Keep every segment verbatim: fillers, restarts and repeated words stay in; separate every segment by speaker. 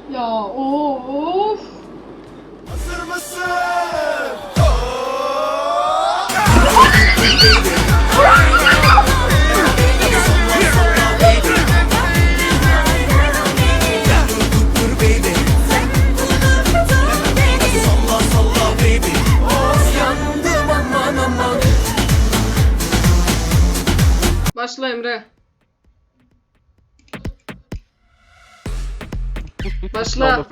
Speaker 1: Ya of.
Speaker 2: Hazır mısın?
Speaker 1: Başla Emre. Başla.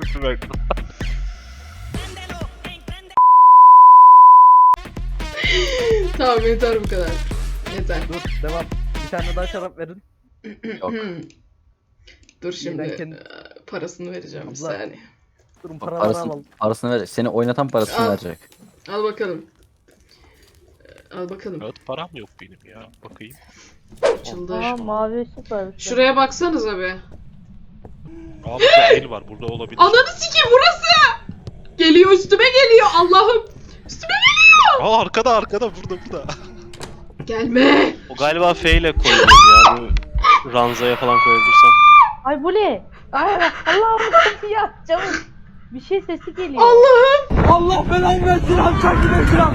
Speaker 1: Tamam yeter bu kadar. Yeter.
Speaker 3: Dur devam. Bir tane daha şarap verin.
Speaker 4: Yok.
Speaker 1: Dur şimdi
Speaker 3: Ben kendi-
Speaker 1: e, parasını vereceğim bir
Speaker 3: Abla.
Speaker 1: saniye.
Speaker 3: Durun paraları
Speaker 4: Parasını,
Speaker 3: alalım.
Speaker 4: parasını verecek. Seni oynatan parasını
Speaker 1: Al.
Speaker 4: verecek.
Speaker 1: Al bakalım. E, Al bakalım.
Speaker 5: Evet, param yok benim ya. Bakayım.
Speaker 1: Açıldı.
Speaker 6: Aa mavi ışık var.
Speaker 1: Şuraya baksanıza be.
Speaker 5: Aa, burada el var. Burada olabilir.
Speaker 1: Ananı sikeyim burası. Geliyor üstüme geliyor Allah'ım. Üstüme geliyor.
Speaker 5: Aa, arkada arkada burada burada.
Speaker 1: Gelme.
Speaker 7: O galiba F ile koyuyor ya. Bu ranzaya falan koyabilirsen.
Speaker 6: Ay bu ne? Ay Allah'ım ya çabuk. Bir şey sesi geliyor.
Speaker 1: Allah'ım.
Speaker 3: Allah belanı versin abi çakine kıram.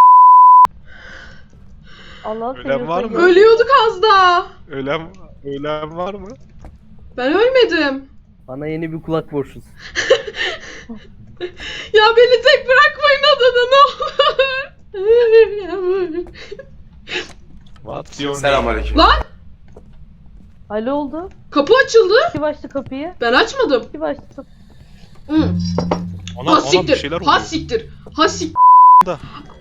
Speaker 6: Allah'ım
Speaker 5: Ölen var mı?
Speaker 1: Ölüyorduk az daha.
Speaker 5: Ölen, ölen var mı?
Speaker 1: Ben ölmedim.
Speaker 3: Bana yeni bir kulak borçlusun.
Speaker 1: Ya beni tek bırakmayın adada ne olur.
Speaker 5: What's your name?
Speaker 2: Selamünaleyküm.
Speaker 1: Lan
Speaker 6: Alo oldu.
Speaker 1: kapı açıldı.
Speaker 6: Kim açtı kapıyı?
Speaker 1: Ben açmadım.
Speaker 6: Kim açtı kapıyı?
Speaker 1: Hı.
Speaker 5: Ona,
Speaker 1: Ha
Speaker 5: ona bir
Speaker 1: siktir.
Speaker 5: şeyler
Speaker 1: Ha
Speaker 5: oluyor.
Speaker 1: siktir. Ha siktir.
Speaker 5: Da.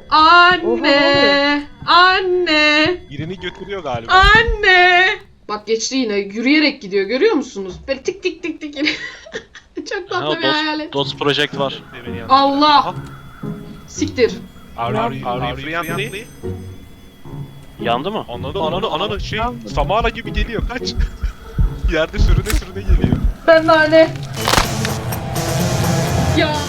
Speaker 1: Anne. Anne.
Speaker 5: Birini götürüyor galiba.
Speaker 1: Anne. Bak geçti yine. Yürüyerek gidiyor. Görüyor musunuz? Böyle tik tik tik tik. Çok
Speaker 7: Ha,
Speaker 1: tatlı bir hayalet.
Speaker 7: Dots Project var.
Speaker 5: Beni yandı.
Speaker 1: Allah.
Speaker 5: Aha.
Speaker 1: Siktir.
Speaker 5: Are, are, you- are you friendly?
Speaker 7: Yandı mı?
Speaker 5: Ananı ananı ananı şey Samara gibi geliyor kaç. Yerde sürüne sürüne geliyor.
Speaker 1: Ben de anne. Ya.